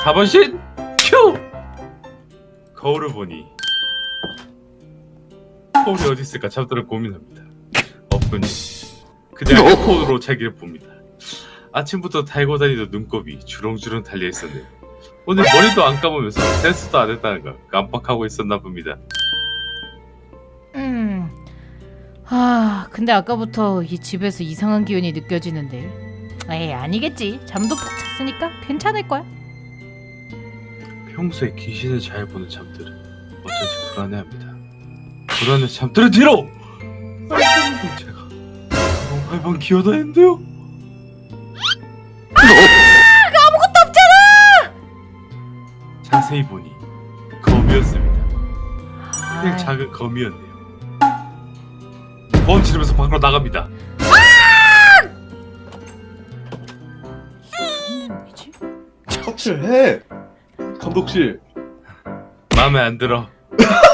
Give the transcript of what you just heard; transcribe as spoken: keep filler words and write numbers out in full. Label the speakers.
Speaker 1: 사 번 쉿! 큐! 거울을 보니 거울이 어디 있을까 잠들어 고민합니다. 없군요. 그냥 핸드폰으로 자기를 봅니다. 아침부터 달고 다니던 눈곱이 주렁주렁 달려있었네요. 오늘 머리도 안 감으면서 세수도 안 했다는 걸 깜빡하고 있었나 봅니다.
Speaker 2: 음. 아, 근데 아까부터 이 집에서 이상한 기운이 느껴지는데. 에이, 아니겠지. 잠도 푹 잤으니까 괜찮을 거야.
Speaker 1: 평소에 귀신을 잘 보는 잠들은 어쩐지 불안해합니다. 불안해서 잠들은 뒤로! 빨리 제가 발방 기어다니는데요?
Speaker 2: 아무것도 없잖아!
Speaker 1: 자세히 보니 거미였습니다. 그냥
Speaker 2: 아이,
Speaker 1: 작은 거미였네요. 보험 치르면서 밖으로 나갑니다.
Speaker 2: 무슨 내용이지?
Speaker 3: 척칠해 감독실.
Speaker 1: 마음에 안 들어.